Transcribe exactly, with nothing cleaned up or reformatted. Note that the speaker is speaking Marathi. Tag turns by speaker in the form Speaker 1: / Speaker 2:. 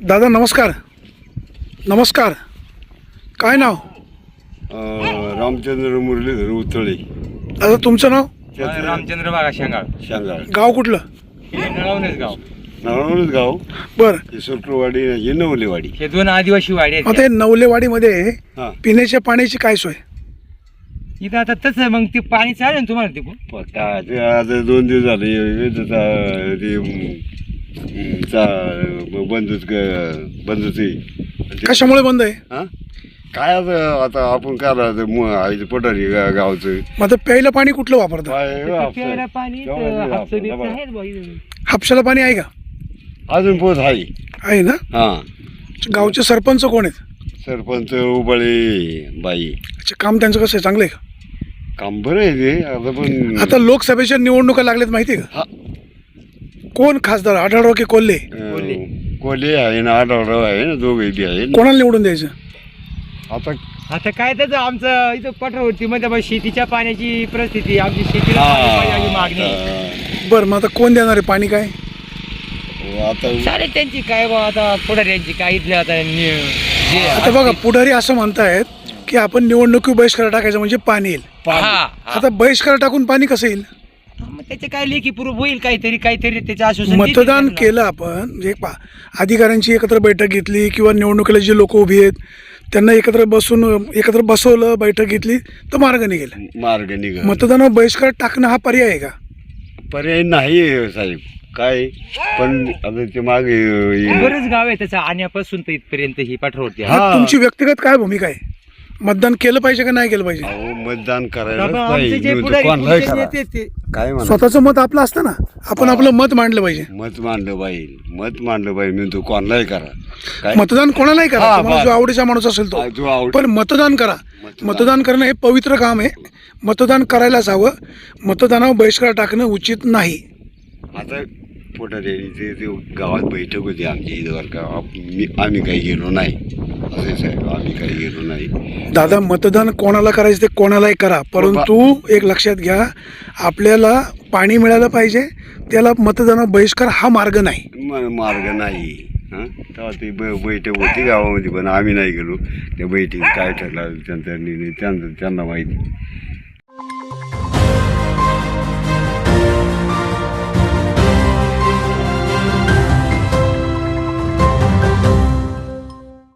Speaker 1: दादा नमस्कार. नमस्कार. काय नाव?
Speaker 2: रामचंद्र मुरलीधर उतळे.
Speaker 1: दादा तुमचं नाव?
Speaker 3: रामचंद्र बागा शेंगाळ.
Speaker 2: शेंगाळ.
Speaker 1: गाव कुठलं?
Speaker 3: नळवणच गाव.
Speaker 2: नळवणच गाव.
Speaker 1: बरं.
Speaker 2: ही सुरकुरवाडी ही नवलेवाडी.
Speaker 3: हे दोन आदिवासी वाडी आहेत.
Speaker 1: मग ते नवलेवाडीमध्ये
Speaker 2: हा.
Speaker 1: पिण्याच्या पाण्याची काय सोय?
Speaker 3: इथं आता तसं मग ते पाणी चालेल ना तुम्हाला तिकडून?
Speaker 2: पत्ता ते आता दोन दिवस झाले हे त्याचा ते अं, चा- बंदूच बंदूच
Speaker 1: कशामुळे बंद आहे?
Speaker 2: हा काय आता आता आपण करायचं पठारी गा- गावचं
Speaker 1: मग आता प्यायला पाणी कुठलं वापरतं?
Speaker 2: काय
Speaker 3: ते
Speaker 2: हापसा-
Speaker 3: प्यायला पाणी तर
Speaker 2: तेव्हा
Speaker 3: हापसं बिपसं
Speaker 2: हापसा-
Speaker 3: आहेत बुवा इथं.
Speaker 1: हापशाला पाणी आहे का?
Speaker 2: अजून पोत आहे.
Speaker 1: आहे ना.
Speaker 2: हा
Speaker 1: गावचे सरपंच कोण आहेत?
Speaker 2: सरपंच उबाळे बाई.
Speaker 1: अच्छा, काम त्यांचं कसं आहे? चांगलं आहे का?
Speaker 2: काम बरं आहे ते आता पण
Speaker 1: आता लोकसभेच्या निवडणुका लागल्यात माहिती आहे का?
Speaker 2: हा.
Speaker 1: कोण खासदार, आढळराव की कोल्हे?
Speaker 2: अं, कोल्हे आहे ना आढळराव आहे ना दोघे बी आहे ना.
Speaker 1: कोणाला निवडून द्यायचं?
Speaker 2: आता
Speaker 3: आता काय त्याचं आमचं इथं पठारवरती मध्ये बा शेतीच्या पाण्याची परिस्थिती, आमची शेतीला
Speaker 2: हा.
Speaker 3: पाणी पाहिजे अशी मागणी.
Speaker 2: आता-
Speaker 1: बरं, मग आता कोण देणार आहे पाणी? काय
Speaker 2: आता
Speaker 3: चालेल त्यांची काय बा आता पुढाऱ्यांची काय इथल्या आता नि- जे
Speaker 1: आता बघा, पुढारी असं म्हणतायत की आपण निवडणुकी बहिष्कार टाकायचं म्हणजे पाणी येईल.
Speaker 3: हा, हा.
Speaker 1: आता बहिष्कार टाकून पाणी कसं येईल?
Speaker 3: मग त्याचे काय लेखी पूर्व होईल काहीतरी काहीतरी त्याचं आश्वासन देतील
Speaker 1: मतदान
Speaker 3: त्यांना.
Speaker 1: केलं आपण, म्हणजे पा अधिकाऱ्यांची एकत्र बैठक घेतली किंवा निवडणुकीला जे लोक उभी आहेत त्यांना एकत्र बसून एकत्र बसवलं, बैठक घेतली तर मार्ग निघेल.
Speaker 2: मार्ग निघ
Speaker 1: मतदानावर बहिष्कार टाकणं हा पर्याय आहे का?
Speaker 2: पर्याय नाही आहे साहेब काय पण आता ते मागे
Speaker 3: बरेच गाव आहे त्याचा आण्यापासून तर इथपर्यंत ही पठारवरती आहे.
Speaker 1: मग तुमची व्यक्तिगत काय भूमिका आहे? मतदान केलं पाहिजे का नाही केलं पाहिजे?
Speaker 2: अहो मतदान करायला
Speaker 3: बाबा, आमचे जे
Speaker 2: पाहिजे
Speaker 3: पुढारी,
Speaker 2: कोणालाही
Speaker 3: पुढचे
Speaker 2: करा.
Speaker 3: नेते ते-
Speaker 2: काय म्हणा
Speaker 1: स्वतःचं मत आपलं असतं ना, आपण आपलं मत मांडलं पाहिजे.
Speaker 2: मत मांडलं पाहिजे मत मांडलं पाहिजे मी तू कोणालाही करा काय
Speaker 1: मतदान कोणालाही करा,
Speaker 2: हा,
Speaker 1: तुम्हाला
Speaker 2: बस.
Speaker 1: जो आवडीचा माणूस असेल तो,
Speaker 2: हा, जो आवड-
Speaker 1: पण मतदान करा.
Speaker 2: मतदान.
Speaker 1: मतदान करणं हे पवित्र काम आहे. मतदान करायलाच हवं. मतदानावर बहिष्कार टाकणं उचित नाही.
Speaker 2: आता पोटारी ते ते गावात बैठक होती आमची इथं बरं का आप- मी- आम्ही काही गेलो नाही असे साहेब आम्ही काही गेलो नाही.
Speaker 1: दादा, मतदान कोणाला करायचं ते कोणालाही करा, परंतु एक लक्षात घ्या, आपल्याला पाणी मिळालं पाहिजे. त्याला मतदानावर बहिष्कार हा मार्ग नाही.
Speaker 2: म- मार्ग नाही. हां तेव्हा ती ब बैठक होती गावामध्ये पण आम्ही नाही गेलो. त्या बैठकीत काय ठरलं त्यांचा निर्णय त्यांचं त्यांना माहिती.